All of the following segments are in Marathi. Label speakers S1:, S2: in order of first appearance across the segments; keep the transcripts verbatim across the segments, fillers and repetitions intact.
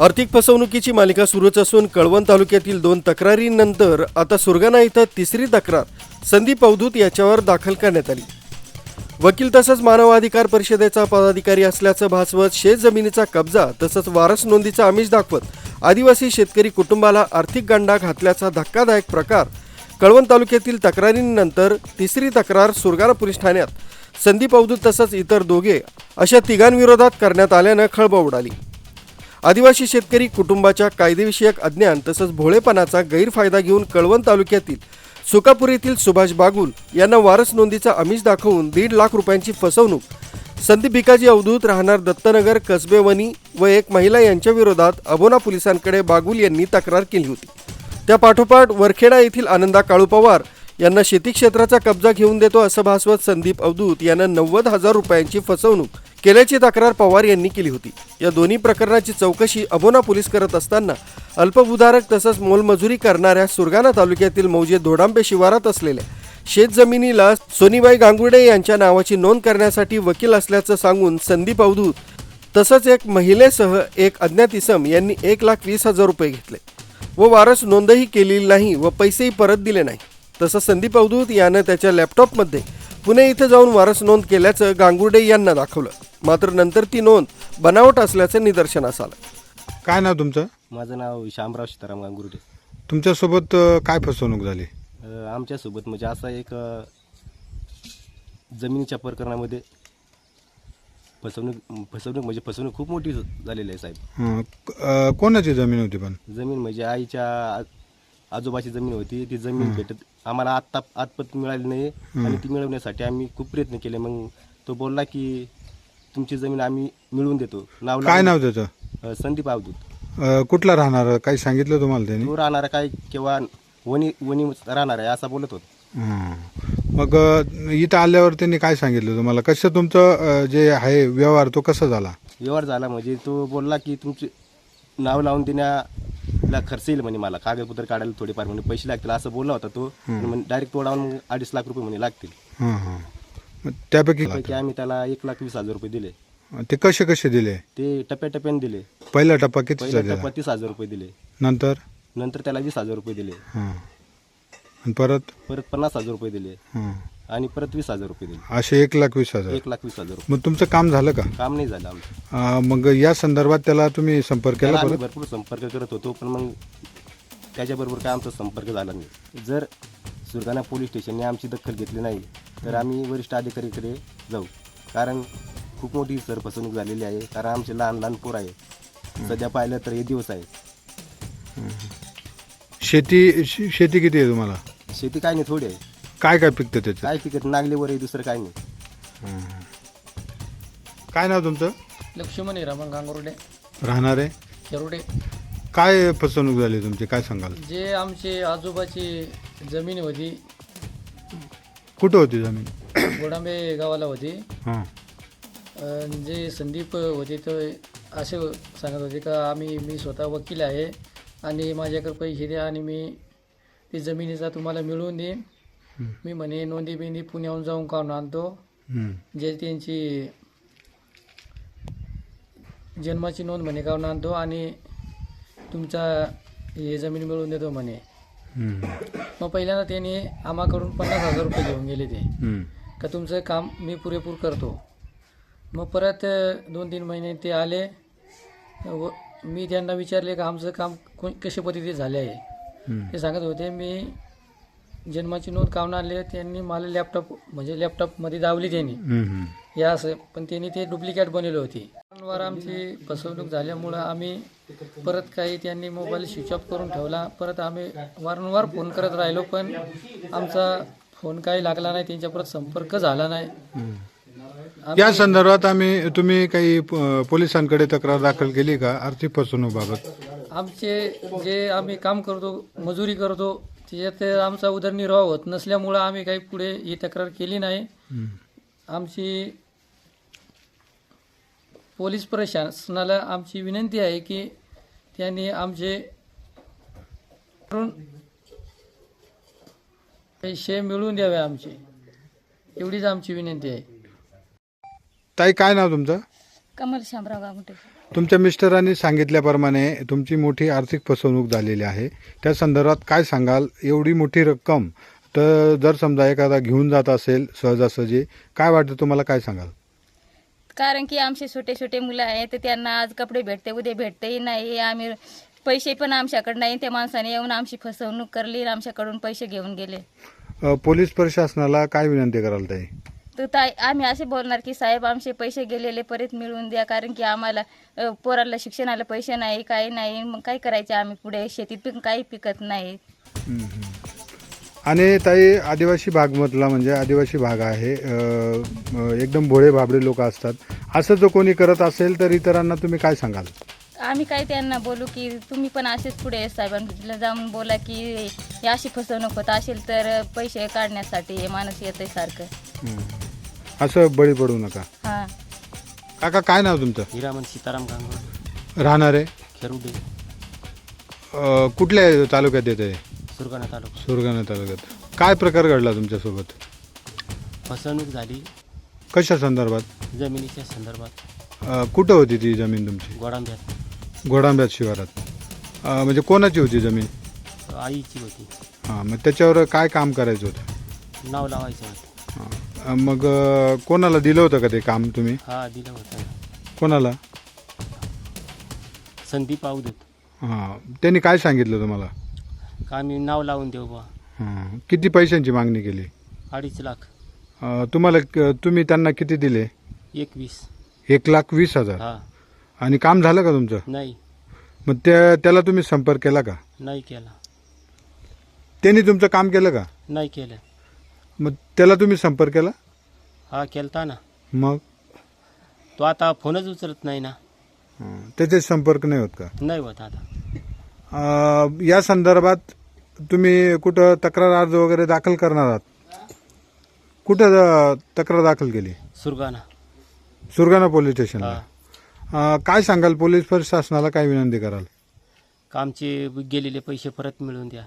S1: आर्थिक फसवणुकीची मालिका सुरूच असून कळवण तालुक्यातील दोन तक्रारींनंतर आता सुरगाणा इथं तिसरी तक्रार संदीप अवधूत याच्यावर दाखल करण्यात आली। वकील तसंच मानवाधिकार परिषदेचा पदाधिकारी असल्याचं भासवत शेत जमिनीचा कब्जा तसंच वारस नोंदीचा आमिष दाखवत आदिवासी शेतकरी कुटुंबाला आर्थिक गंडा घातल्याचा धक्कादायक प्रकार कळवण तालुक्यातील तक्रारींनंतर तिसरी तक्रार सुरगाणा पोलीस ठाण्यात संदीप अवधूत तसंच इतर दोघे अशा तिघांविरोधात करण्यात आल्यानं खळबळ उडाली। आदिवासी शेतकरी कुटुंबाच्या कायदेविषयक अज्ञान तसंच भोळेपणाचा गैरफायदा घेऊन कळवण तालुक्यातील सुकापूर येथील सुभाष बागुल यांना वारस नोंदीचा आमिष दाखवून दीड लाख रुपयांची फसवणूक संदीप भिकाजी अवधूत राहणार दत्तनगर कसबेवणी व एक महिला यांच्या विरोधात अबोना पोलिसांकडे बागुल यांनी तक्रार केली होती। त्या पाठोपाठ वरखेडा येथील आनंदा काळू पवार यांना शेती क्षेत्राचा कब्जा घेऊन देतो असं भासवत संदीप अवधूत यांना नव्वद हजार रुपयांची फसवणूक केल्याची तक्रार पवार यांनी केली होती। या दोन्ही प्रकरणाची चौकशी अबोना पोलीस करत असताना अल्पभूधारक तसंच मोलमजुरी करणाऱ्या सुरगाणा तालुक्यातील मौजे धोडांबे शिवारात असलेल्या शेतजमिनीला सोनीबाई गांगुर्डे यांच्या नावाची नोंद करण्यासाठी वकील असल्याचं सांगून संदीप अवधूत तसंच एक महिलेसह एक अज्ञात इसम यांनी एक लाख वीस हजार रुपये घेतले व वारस नोंदही केलेली नाही व पैसेही परत दिले नाही। तसंच संदीप अवधूत यानं त्याच्या लॅपटॉपमध्ये पुणे इथं जाऊन वारस नोंद केल्याचं गांगुर्डे यांना दाखवलं, मात्र नंतर ती नोंद बनावट असल्याचं निदर्शनास आलं।
S2: काय नाव तुमचं?
S3: माझं नाव शामराव सीताराम गांगुर्डे।
S2: तुमच्यासोबत अ, काय फसवणूक झाली?
S3: अ, आमच्यासोबत म्हणजे असा एक अ, जमिनीच्या प्रकरणामध्ये फसवणूक फसवणूक म्हणजे फसवणूक खूप मोठी झालेली आहे साहेब।
S2: हं, अ, कोणाची जमीन होती पण?
S3: जमीन म्हणजे आईच्या आ- आजोबाची जमीन होती। ती जमीन भेटत आम्हाला आत्ता आतपत मिळाली नाही आणि ती मिळवण्यासाठी आम्ही खूप प्रयत्न केले। मग तो बोलला की तुमची जमीन आम्ही मिळवून देतो। नाव
S2: काय नाव त्याचं?
S3: अ, संदीप अवधूत।
S2: अ, कुठला राहणार काही सांगितलं तुम्हाला त्यांनी?
S3: तो राहणारा काय किंवा वणी वणी राहणार आहे असं बोलत होत।
S2: हं. मग अ, इथं आल्यावर त्यांनी काय सांगितलं तुम्हाला? कसं तुमचं अ, जे आहे व्यवहार तो कसा झाला?
S3: व्यवहार झाला म्हणजे तो बोलला की तुमचे नाव लावून देण्याला खर्च येईल म्हणे, मला कागदपत्र काढायला थोडेफार म्हणजे पैसे लागतील असं बोलला होता तो। डायरेक्ट तोडावून अडीच लाख रुपये म्हणे लागतील।
S2: हां हां. मग त्यापैकी
S3: त्यापैकी आम्ही त्याला एक लाख वीस हजार रुपये दिले।
S2: ते कसे कसे दिले?
S3: ते टप्प्याटप्प्याने दिले।
S2: पहिला टप्पा कितीचा
S3: पहिल्या
S2: दिला?
S3: टप्प्यात तीस हजार रुपये दिले,
S2: नंतर?
S3: नंतर त्याला वीस हजार रुपये दिले,
S2: हां. आणि परत?
S3: परत पन्नास हजार रुपये दिले
S2: हां.
S3: आणि परत वीस हजार रुपये दिले।
S2: असे एक लाख वीस हजार.
S3: एक लाख वीस हजार रुपये
S2: मग तुमचं काम झालं का?
S3: काम नाही झालं आमचं।
S2: अ, मग या संदर्भात त्याला तुम्ही संपर्क
S3: त्याला
S2: केला
S3: आम्ही
S2: परत?
S3: भरपूर संपर्क करत होतो पण मग त्याच्याबरोबर काय आमचा संपर्क झाला नाही। जर सुरगाणा पोलीस स्टेशनने आमची दखल घेतली नाही तर आम्ही वरिष्ठ अधिकारीकडे जाऊ, कारण खूप मोठी सर फसवणूक झालेली आहे। कारण आमचे लहान लहान पोर आहे, सध्या पाहिलं तर हे दिवस आहे।
S2: शेती शे- शेती किती आहे तुम्हाला?
S3: शेती काय नाही, थोडी आहे।
S2: काय काय पिकतं त्याचं?
S3: काय पिकत नागलीवर आहे, दुसरं काय नाही।
S2: काय नाव तुमचं?
S4: लक्ष्मण हिरामन गांगुर्डे,
S2: राहणार आहे?
S4: खेरुडे।
S2: काय फसवणूक झाली तुमची, काय सांगाल?
S4: जे आमची आजोबाची जमीन होती,
S2: कुठं होती जमीन?
S4: गोडांबे गावाला होती।
S2: हां.
S4: अन् जे संदीप होते ते असे सांगत होते का आम्ही मी स्वतः वकील आहे आणि माझ्याकडे पैसे द्या आणि मी ती जमिनीचा तुम्हाला मिळवून देईन। मी म्हणे नोंदी बिंदी पुण्याहून जाऊन काढून आणतो,
S2: हं.
S4: जे त्यांची जन्माची नोंद म्हणे काढून आणतो आणि तुमचा हे जमीन मिळवून देतो म्हणे।
S2: हं.
S4: मग पहिल्यांदा त्यांनी आम्हाकडून पन्नास हजार रुपये घेऊन गेले ते
S2: हं.
S4: का तुमचं काम मी पुरेपूर करतो। मग परत दोन तीन महिने ते आले व मी त्यांना विचारले का आमचं काम को कशा पद्धतीने झाले आहे।
S2: हं.
S4: ते सांगत होते मी जन्माची नोंद काढून आणले, त्यांनी मला लॅपटॉप म्हणजे लॅपटॉपमध्ये दावली त्यांनी
S2: हं. हं.
S4: या असं, पण त्यांनी ते डुप्लिकेट बनवली होती। वारंवार आमची फसवणूक झाल्यामुळं आम्ही परत काही त्यांनी मोबाईल स्विच ऑफ करून ठेवला। परत आम्ही वारंवार फोन करत राहिलो पण आमचा फोन काही लागला नाही, त्यांच्या परत संपर्क झाला नाही।
S2: या संदर्भात आम्ही तुम्ही काही प- पोलिसांकडे तक्रार दाखल केली का आर्थिक फसवणूकबाबत?
S4: आमचे जे आम्ही काम करतो, मजुरी करतो, त्याच्यात आमचा उदरनिर्वाह होत नसल्यामुळं आम्ही काही पुढे ही तक्रार केली नाही।
S2: हं.
S4: आमची पोलीस प्रशासनाला आमची विनंती आहे की त्यांनी आमचे पैसे मिळवून द्यावे आमचे, एवढीच आमची विनंती आहे।
S2: ताई काय नाव तुमचं?
S5: कमल शामराव गांगुर्डे।
S2: तुमच्या मिस्टरांनी सांगितल्याप्रमाणे तुमची मोठी आर्थिक फसवणूक झालेली आहे. त्या संदर्भात काय सांगाल? एवढी मोठी रक्कम तर जर समजा एखादा घेऊन जात असेल सहजासहजी, काय वाटतं तुम्हाला, काय सांगाल?
S5: कारण की आमचे छोटे छोटे मुलं आहेत तर त्यांना आज कपडे भेटते, उद्या भेटतेही नाही. आम्ही पैसे पण आमच्याकडे नाही. त्या माणसाने येऊन आमची फसवणूक करली आणि आमच्याकडून पैसे घेऊन गेले.
S2: अ, पोलीस प्रशासनाला काय विनंती कराल ताई?
S5: तर ताई आम्ही असे बोलणार की साहेब आमचे पैसे गेलेले परत मिळवून द्या. कारण की आम्हाला अ, पोराला शिक्षणाला पैसे नाही, काही नाही. मग काय करायचे आम्ही पुढे? शेतीत पण काही पिकत नाही.
S2: हम्म, हम्म. आणि ताई, आदिवासी भागमधला म्हणजे आदिवासी भाग आहे, अ, अ, एकदम भोळे भाबडे लोक असतात. असं जो कोणी करत असेल तर इतरांना तुम्ही काय सांगाल?
S5: आम्ही काय त्यांना बोलू की तुम्ही पण असेच पुढे साहेबांना जाऊन बोला की ही अशी फसवणूक होत असेल तर पैसे काढण्यासाठी हे माणूस येते सारखं.
S2: हम्म. असं बळी पडू नका.
S5: हां.
S2: काका, काय नाव तुमचं?
S3: हिरामन सीताराम गांगुर्डे,
S2: राहणार आहे
S3: खेरुडे,
S2: अ, कुठल्या तालुक्यात येते?
S3: सुरगाणा तालुका.
S2: सुरगाणा तालुक्यात. काय प्रकार घडला तुमच्यासोबत?
S3: फसवणूक झाली
S2: कशा संदर्भात?
S3: जमिनीच्या संदर्भात.
S2: अ, कुठं होती ती जमीन तुमची?
S3: गोडांब्यात
S2: घोडांब्यात शिवारात. अ, म्हणजे कोणाची होती जमीन?
S3: आईची होती.
S2: हां, मग त्याच्यावर काय काम करायचं होतं?
S3: नाव लावायचं होतं.
S2: हां. मग अ, कोणाला दिलं होतं का ते काम तुम्ही?
S3: हा दिलं होतं.
S2: कोणाला?
S3: संदीप अवधूत.
S2: हां. त्यांनी काय सांगितलं तुम्हाला?
S3: का आम्ही नाव लावून देऊ बा.
S2: हां. किती पैशांची मागणी केली?
S3: अडीच लाख.
S2: अ, तुम्हाला क- तुम्ही त्यांना किती दिले?
S3: एकवीस.
S2: एक लाख वीस हजार.
S3: हा.
S2: आणि काम झालं का तुमचं?
S3: नाही.
S2: मग त्या त्याला तुम्ही संपर्क केला का?
S3: नाही केला.
S2: त्यांनी तुमचं काम केलं का?
S3: नाही केलं.
S2: मग त्याला तुम्ही संपर्क केला?
S3: हा केलता ना.
S2: मग
S3: तो आता फोनच उचलत नाही ना.
S2: हां. त्याचे संपर्क नाही होत का?
S3: नाही होत आता.
S2: अ, या संदर्भात तुम्ही कुठं तक्रार अर्ज वगैरे दाखल करणार आहात? कुठं अ, तक्रार दाखल केली?
S3: सुरगाणा.
S2: सुरगाणा पोलीस स्टेशनला.
S3: हा.
S2: अ, काय सांगाल? पोलीस प्रशासनाला काय विनंती कराल?
S3: कामचे गेलेले पैसे परत मिळवून द्या.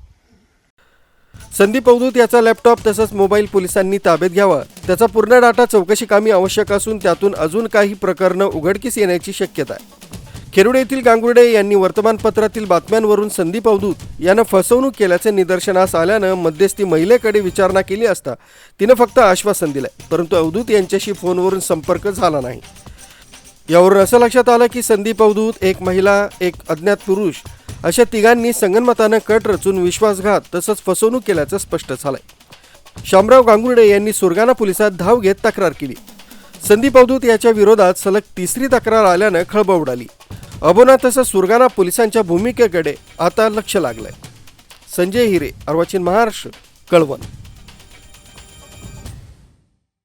S1: संदीप अवधूत याचा लॅपटॉप तसंच मोबाईल पोलिसांनी ताब्यात घ्यावा. त्याचा पूर्ण डाटा चौकशी कामी आवश्यक असून त्यातून अजून काही प्रकरणं उघडकीस येण्याची शक्यता आहे. खेरुडे येथील गांगुर्डे यांनी वर्तमानपत्रातील बातम्यांवरून संदीप अवधूत यानं फसवणूक केल्याचे निदर्शनास आल्यानं मध्यस्थी महिलेकडे विचारणा केली असता तिनं फक्त आश्वासन दिलंय, परंतु अवधूत यांच्याशी फोनवरून संपर्क झाला नाही. यावरून असं लक्षात आलं की संदीप अवधूत, एक महिला, एक अज्ञात पुरुष अशा तिघांनी संगनमतानं कट रचून विश्वासघात तसंच फसवणूक केल्याचं स्पष्ट झालंय. शामराव गांगुर्डे यांनी सुरगाणा पोलिसात धाव घेत तक्रार केली. संदीप अवधूत याच्या विरोधात सलग तिसरी तक्रार आल्यानं खळबळ उडाली. अबोना तसंच सुरगाणा पोलिसांच्या भूमिकेकडे आता लक्ष लागलंय. संजय हिरे, अर्वाचीन महाराष्ट्र, कळवण.